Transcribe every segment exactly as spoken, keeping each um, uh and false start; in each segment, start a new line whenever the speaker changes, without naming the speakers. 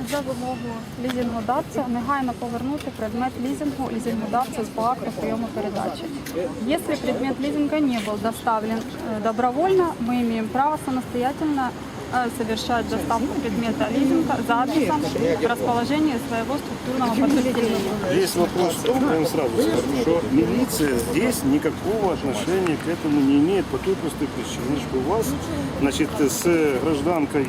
за вимогою лізингодавця негайно повернути предмет лізингу лізингодавцю по акту прийому передачи. Если предмет лизинга не был доставлен э, добровольно, мы имеем право самостоятельно э, совершать доставку предмета лизинга за адресом расположения своего структурного подразделения.
Есть вопрос, я вам сразу скажу, что милиция здесь никакого отношения к этому не имеет по той простой причине, что у вас, значит, с гражданкой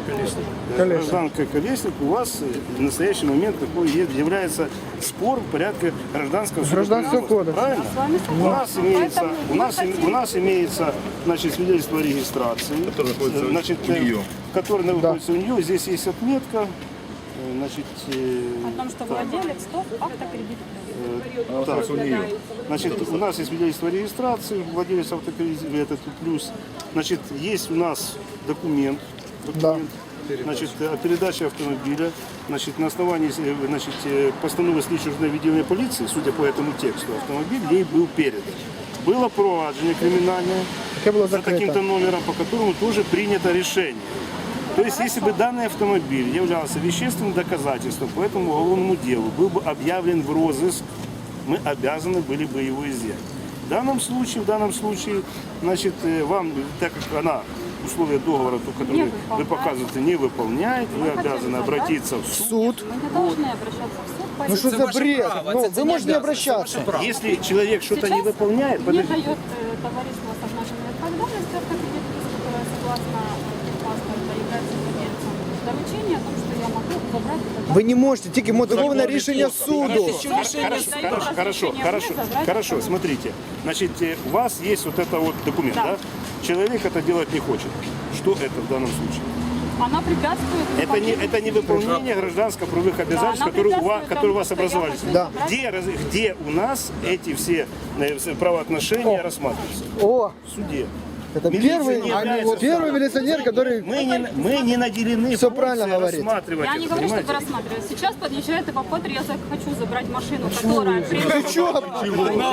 гражданкой Колесник у вас в настоящий момент такой является спор в порядке гражданского
Гражданского
кода.
кодекса.
Правильно? У нас имеется, у нас, у нас имеется, значит, свидетельство о регистрации,
Которое находится
значит,
у нее.
которое находится у нее. Здесь есть отметка, значит,
О том, что владелец ТОВ автокредит.
так, у нее. Значит, у нас есть свидетельство о регистрации, владелец автокредита, этот плюс. Значит, есть у нас документ, документ значит, о передаче автомобиля. Значит, на основании значит, постановы слідчого відділення полиции, судя по этому тексту, автомобиль ей был передан. Было проваджение криминальное за таким-то номером, по которому тоже принято решение. То есть, если бы данный автомобиль являлся вещественным доказательством по этому уголовному делу, был бы объявлен в розыск, мы обязаны были бы его изъять. В данном случае, в данном случае, значит, вам, так как она условия договора, которые вы показываете, не выполняет, вы обязаны обратиться в суд.
Мы не должны обращаться в суд. по
Ну что за бред? Ну, вы можете не обращаться.
Если человек что-то не выполняет,
Мне
подождите.
дает э, товариство с обнаженной ответственностью автокредит, которое согласно паспорта является владельцем доручения о том, что я могу забрать этот
Ви не можете, тільки мотивоване рішення суду.
Хорошо, хорошо, хорошо, хорошо, смотрите. Значит, э, у вас есть вот это вот документ, да? Человек это делать не хочет. Что это в данном случае?
Она препятствует.
Это не, это не выполнение гражданско-правовых обязательств,
она
которые у вас,
препятствует
которые у
тому,
вас
что я
образовались.
могу
Да.
забрать.
Где, раз- где у нас эти все э, правоотношения рассматриваются?
О,
В суде.
это
Милиция
первый,
не является
первый милиционер, который...
Мы не, мы не наделены
Всё
функцией
правильно говорит.
рассматривать
Я
это,
не говорю, что
понимаете?
это рассматривать. Сейчас подъезжает эвакуатор, я хочу забрать машину, которая...
Ты чё?
На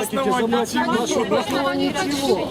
основании чего?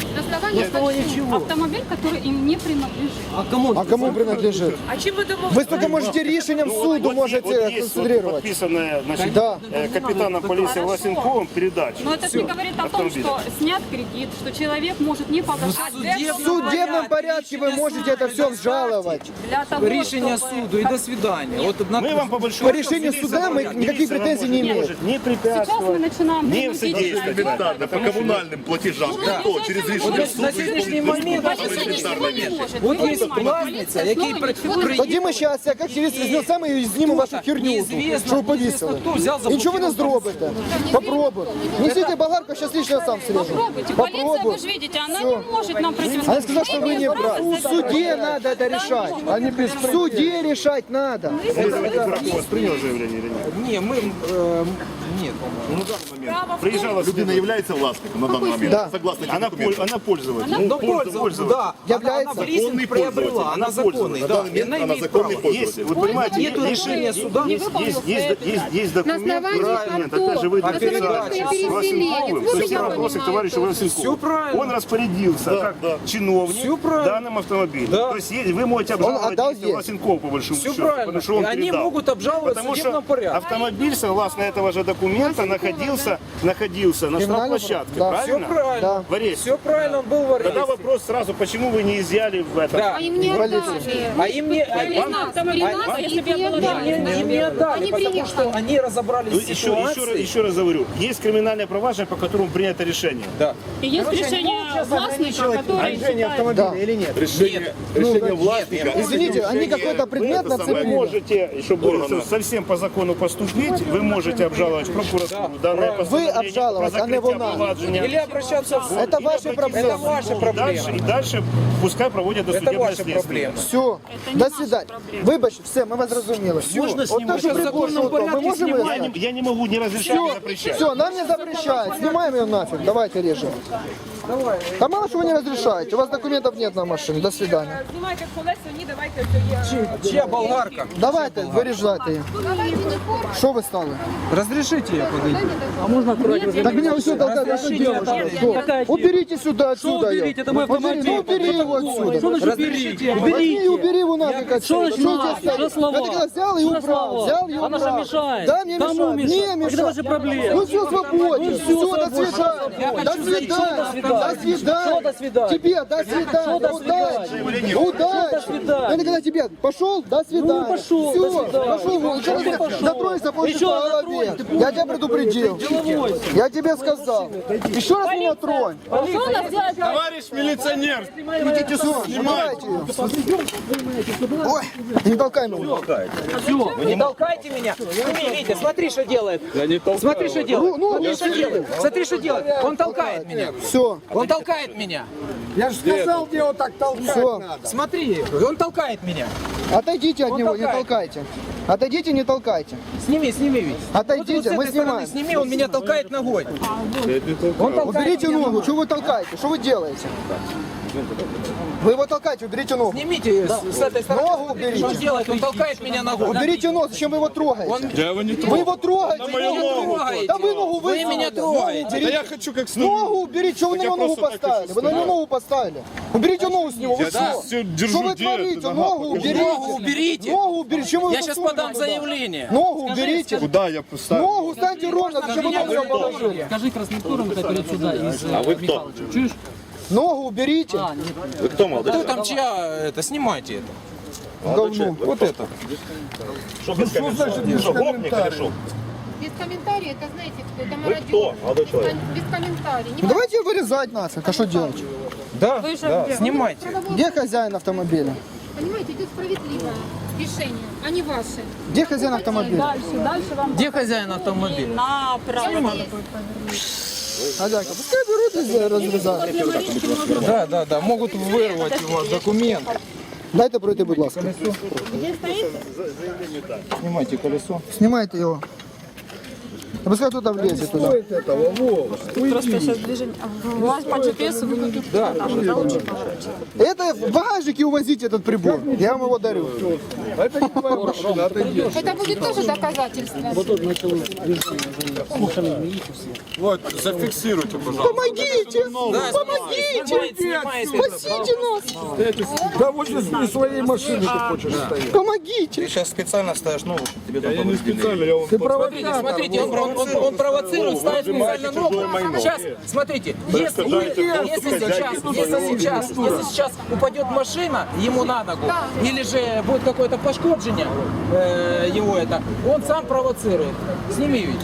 На основании чего? Автомобиль, который им не принадлежит.
А кому принадлежит?
А чим ви домовились?
Вы только можете решением суду
Вот- вот
можете
есть вот
концентрировать.
подписанная, значит,
Да.
э, капитаном полиции
Хорошо.
Власенковым передача.
Но это не говорит о том,
Автомобиля.
что снят кредит, что человек может не погашать.
В судебном порядке вы можете это все обжаловать.
Для того,
Рішення
чтобы-
суду і до свидання. От на
Мы вам по большому
По решению суда мы никаких
милиция
претензий не
нам
имеем.
может не
Сейчас мы
препятствовать,
начинаем
не
выносить
содействовать.
Элементарно, по коммунальным платежам. Кто через
Вот
решение
на
суда
сьогоднішній
исполнит
момент
элементарные вещи.
от є власниця, який при- при-
Тоді ми зараз, як активіст, візьмемо саме і знімемо вашу херню,
Неізвісно,
що ви повісили.
неізвісно, хто взяв,
І нічого ви не
заблокував
зробите. Попробуй. Несите болгарку, зараз лично я сам срежу.
Попробуйте. Полиция, вы же видите, она
Всё.
не может нам противостоять.
Она сказала, что вы не прав. В суде надо это решать. В суде решать надо.
Прокурор принял заявление или нет?
Ні, ми е, ні, по-моєму.
Приезжала
Людина является властником на данный момент.
Да.
Согласно этим
Она,
документам.
поль- она пользователь.
Ну, пользователь, да.
Является
Она в лизинг
законный
приобрела,
пользователь.
она
Она
законный,
На
да.
данный
И она
момент она
имеет право.
законный
Есть,
пользователь.
вы понимаете,
Нету
есть-
решения суда.
Есть, есть, есть, есть, есть документ,
На основании
документ,
артов,
опять же, вы
на
написали
передаче.
с Власенковым,
Вот
то есть
я
вопросы к
понимаю,
товарищу
это
Власенкову.
Всё правильно.
Он распорядился как чиновник
Всё правильно.
данным автомобилем.
Да.
То есть есть- вы можете обжаловать
отдал
действия
ей.
Власенкова по большому
Все
счету,
правильно.
потому что он
И они
передал.
могут обжаловать в
Потому что
судебном порядке.
автомобиль, согласно этого же документа, находился, находился на
Криминальном
штрафплощадке,
да.
Все
правильно?
правильно.
Да.
В аресте.
Все правильно, он был в аресте.
Тогда вопрос сразу, почему вы не изъяли в этом?
Да.
А им не
Полиция.
отдали.
А им не, а им-
При нас, при нас
если бы
их
я
не
была
отдали.
им, им не отдали,
Они
потому
приехали.
что они разобрались
Ну,
с
еще, еще, раз-
ситуацией.
еще раз говорю, есть криминальное проваджение, по которому принято решение.
Да.
И есть решение властника, который считает...
Да.
Или нет?
Решение, решение властника.
Извините, они какой-то предмет
Вы
нацепили.
можете, чтобы совсем по закону поступить, вы можете обжаловать в прокуратуру данное постановление
Вы обжаловать,
про
а не
закрытие
вона.
провадження.
Или обращаться в суд.
Это
Или
ваши
обратиться
проблемы.
Это ваши
И
проблемы.
дальше, и дальше пускай проводят
Это
досудебное
ваши
следствие.
проблемы.
Все,
не
до
наша
свидания.
проблема.
Вибач, все, ми вас зрозуміли.
Можно
От
снимать.
те, що
В законному
прикол, що то, ми
порядке
можемо
снимать.
Я не, я не могу ни разрешать, ни запрещать.
Все, нам не запрещают. Снимаем ее нафиг. Давайте режем. Да мало что вы не разрешаете. У вас документов нет на машине. До свидания.
Знімайте колеса, ні, давайте це є.
Чья болгарка?
Давайте, вырежайте ее. Что вы стали?
Разрешите ее подойти.
Так меня вы сюда толкают. Что делаете? Что? Уберите сюда отсюда. её.
уберите? Это мой
Убери,
автомобиль.
ну убери его отсюда.
Что значит уберите?
Убери и убери его нафиг отсюда.
значит
Что
нафиг?
здесь
Что
стоит?
слова?
Это когда взял и
Что
убрал.
слова?
Взял и убрал.
Она же мешает.
Да, мне
Кому
мешает.
мешает?
Мне
Когда
мешает.
ваши проблемы?
Ну все, свободен.
Ну,
Все,
всё,
до
свободен.
свидания.
Я
До
хочу жить.
свидания.
Что до свидания?
До свидания.
Что до свидания?
Тебе, до свидания.
Что до
Удачи.
свидания?
Удачи.
Что до свидания?
Это когда тебе пошел, до свидания.
Ну, пошел,
Все,
до свидания.
пошел вон. Еще
Ты
раз
пошел.
затронься, получишь
Еще
по
раз
голове.
затронь.
Я тебя предупредил.
Деловой.
Я тебе сказал. Еще раз меня тронь.
Товарищ милиционер,
Идите сюда. Снимайте ее. Ой, не толкай меня.
Не толкайте меня. Сними, Витя, смотри, что делает. Смотри, что
Ну,
делает.
ну,
Смотри, что делает. Смотри, что делает. Он толкает меня.
Все,
Он толкает меня.
все.
Смотри, он толкает меня.
Отойдите от
Он
него, не
толкает.
толкайте. Отойдите, не толкайте.
Сними, сними, Витя.
Отойдите,
Вот, вот с
мы
этой стороны
снимаем.
сними, он меня толкает ногой. Он толкает
Уберите
меня
ногу,
ногой.
что вы толкаете? Что вы делаете? Вы его толкаете, уберите ногу.
Снимите с, с этой стороны.
Ногу уберите.
Что он делает? Он толкает меня ногой.
Уберите ногу, зачем вы его трогаете?
Он-
Я его не
Вы его трогаете.
Вы меня трогаете.
Да вы ногу
Вы
высунули.
меня
Ногу
трогаете.
уберите.
я хочу как с
Ногу уберите, что вы на него ногу поставили? Вы на него ногу поставили. Уберите ногу с него, вы что?
всё держу,
Что вы
где это?
творите?
Нога,
Ногу
покажи.
уберите.
Ногу уберите.
Ногу уберите. Чему вы
Я сейчас
засунули
подам
туда?
заявление.
Ногу уберите.
Куда я поставил?
Ногу станьте ровно, зачем вы ногу ее положили?
Скажи красноскорым, это перед сюда из
А вы кто?
Чуешь?
Ногу уберите.
Вы кто, молодой?
Кто там чья? Это, снимайте это.
Говно.
Вот это.
Что без комментариев? Что, гопник или что?
Без комментариев, это знаете, кто? Это
Вы
мародер.
кто, молодой человек?
Без комментариев. Не
Ну, давайте вырезать нас, а что делать?
Да,
Вы же
да,
где?
снимайте.
Где хозяин автомобиля?
Понимаете, идет справедливое решение, а не ваше.
Где хозяин автомобиля?
Дальше, дальше вам
Где хозяин автомобиля?
направо.
Хозяйка, пускай берут и разрезают.
Да, да, да, могут вырвать у вас документ.
Дайте пройти, будь ласка.
Снимайте колесо.
Снимайте его. А пускай кто-то влезет туда.
Просто сейчас движение. Вас по джи пи эс вы выйдете. Да, лучше поворачивать.
Это в багажнике увозите этот прибор. Я вам его дарю.
Это будет тоже доказательство.
Вот, зафиксируйте, пожалуйста.
Помогите!
Да,
Помогите!
снимайте, снимайте.
Спасите нас!
Да вот из своей машины ты хочешь стоять.
Помогите!
Ты сейчас специально ставишь ногу, чтобы тебе там
Я не
повредили.
специально, я вам
Ты
Смотрите,
провокатор.
смотрите, он, он- он- он провоцирует, ставит специально ногу. Сейчас, смотрите, если,
Представляете,
если
доступ
сейчас,
хозяйки
если сейчас, если сейчас упадет машина ему на ногу, или же будет какое-то пошкоджение э, его это, он сам провоцирует. Сними ведь.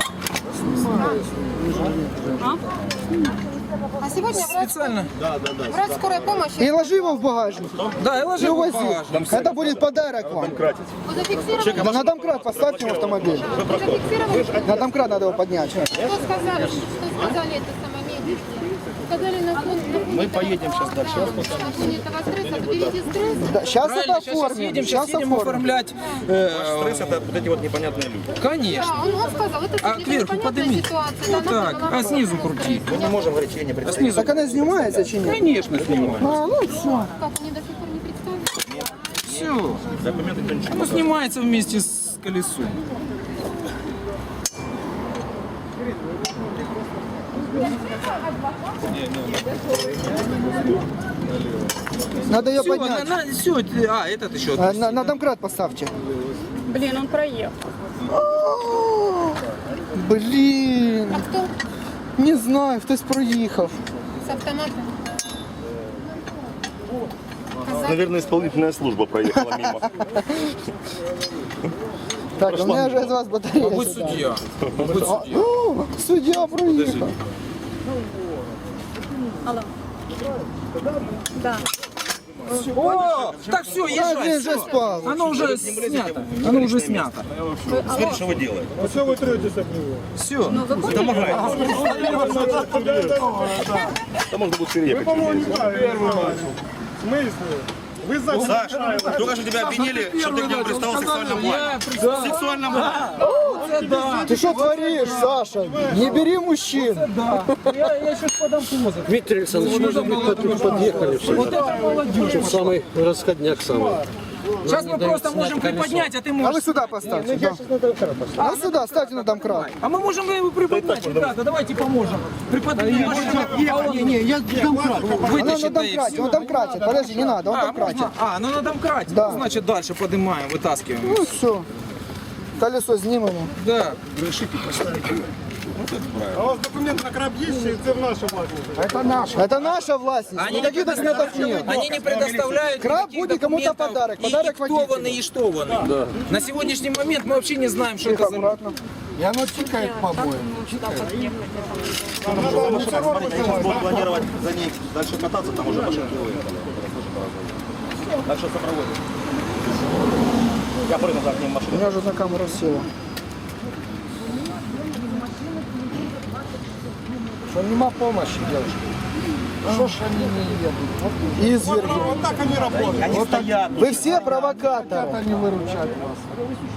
А сегодня врач,
Специально.
врач скорой помощи,
И ложи его в багажник.
Да, и
И
ложи его в
увози.
багажник.
Это будет подарок вам.
вы зафиксировали,
На домкрат поставьте в автомобиль.
вы зафиксировали,
На домкрат надо его поднять.
что сказали, что сказали это самое медики. Сказали на фон, на фоне
Мы поедем сейчас дальше.
на фоне этого стресса, уберите стресс.
Да, сейчас это
Правильно, сейчас,
оформим.
едем, сейчас едем
оформим.
оформлять. э,
Стресс это вот эти вот непонятные люди.
Конечно.
Да, он, он сказал, это
А
слишком
кверху
непонятная
подними.
ситуация.
Вот
да,
так,
надо было
а снизу
просто
крути.
стресс.
Мы не можем говорить, я не
А снизу.
Так она снимается чи нет?
Конечно, снимаю.
А, ну все.
Как они до сих пор не представили?
Все.
Документы никто ничего.
Ну, снимается вместе с колесом.
Надо ее
Все,
поднять.
на, на, все, а, этот еще.
А, На, на домкрат поставьте.
Блин, он проехал.
Блін,
А кто
не знаю, хтось проїхав.
с автоматом?
Наверное, исполнительная служба проехала мимо.
Так, у мене вже з вас батарея.
Будь
сідає.
судья. Будь
А,
судья.
о, суддя проїхав.
Алло. Да.
О, так все,
А, він
езжай,
вже
все.
спав.
Оно уже снято. Оно уже снято.
Смотри, что вы делаете.
Все вы третесь от него.
Все.
Помогайте. Да можно будет переехать.
Первый начал. В смысле? Вы за...
Саш, только что тебя обвинили, что ты к нему пристал в сексуальном плане. В сексуальном плане.
Оце да.
Ты что творишь, Саша? Не бери мужчин.
Да. Я, я еще ж подам позов.
Дмитрий Александрович, можно мы тут подъехали все?
Вот это молодежь.
Самый расходняк самый.
Сейчас мы просто можем приподнять, а ты
А вы
можешь.
сюда поставьте. Да. А вы сюда ставьте на домкрат.
А мы можем его приподнять, ребята, давайте поможем. Приподнимем машину.
Не, не, я домкрат. Она на
Вытащит, да и
домкрате,
все.
он домкрате. Подожди, не надо, он
А,
домкрате.
можно? А, ну на домкрате.
Да.
Ну, значит, дальше поднимаем, вытаскиваем.
Ну все. Колесо снимемо.
Да.
А у вас документы на краб есть, чи це в наша власність?
Это наша. Это наша власть.
Они не,
Никаких документов
предоставляют,
нет.
они не предоставляют
Краб
никаких
будет кому-то
документов,
подарок,
и,
подарок
и кто он,
водителю.
и что он. На сегодняшний момент мы вообще не знаем, что
Тихо,
это за...
аккуратно. И оно тикает по обоим.
Сейчас будем планировать за ней дальше кататься, там уже машинки выехали. Так что сопроводим. Я прыгну за ним
У
машину.
меня уже на камеру села. Что нема помощи, девушка. Что ж они не едут? Изверги.
Вот так они работают.
Они стоят.
Вы все провокаторы. Они выручают вас.